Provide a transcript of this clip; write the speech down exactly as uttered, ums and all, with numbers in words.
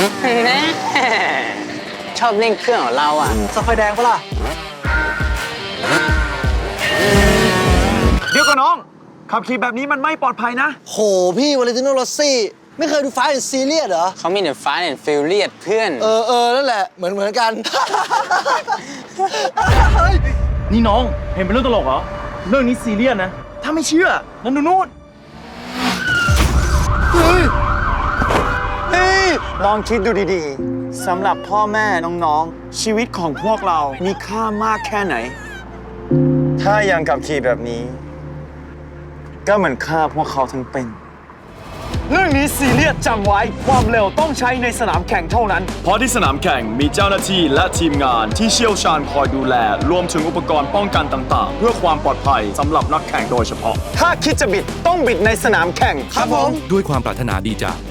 แน่ชอบเล่นเครื่องของเราอ่ะสไฟแดงปะล่ะเดี๋ยวก่อนน้องขับขี่แบบนี้มันไม่ปลอดภัยนะโหพี่วาเลนติโนรอสซี่ไม่เคยดูฟาสต์แอนด์ซีเรียสเหรอเขามีแต่ฟ้าแอนด์ฟิลเลียดเพื่อนเออเออนั่นแหละเหมือนเหมือนกันนี่น้องเห็นเป็นเรื่องตลกเหรอเรื่องนี้ซีเรียสนะถ้าไม่เชื่อนั่นดูนู่นเฮ้ยเฮ้ยลองคิดดูดีๆสำหรับพ่อแม่น้องๆชีวิตของพวกเรามีค่ามากแค่ไหนถ้ายังขับขี่แบบนี้ก็เหมือนฆ่าพวกเขาทั้งเป็นเรื่องนี้ซีเรียสจำไว้ความเร็วต้องใช้ในสนามแข่งเท่านั้นเพราะที่สนามแข่งมีเจ้าหน้าที่และทีมงานที่เชี่ยวชาญคอยดูแลรวมถึงอุปกรณ์ป้องกันต่างๆเพื่อความปลอดภัยสำหรับนักแข่งโดยเฉพาะถ้าคิดจะบิดต้องบิดในสนามแข่งครับผมด้วยความปรารถนาดีจาก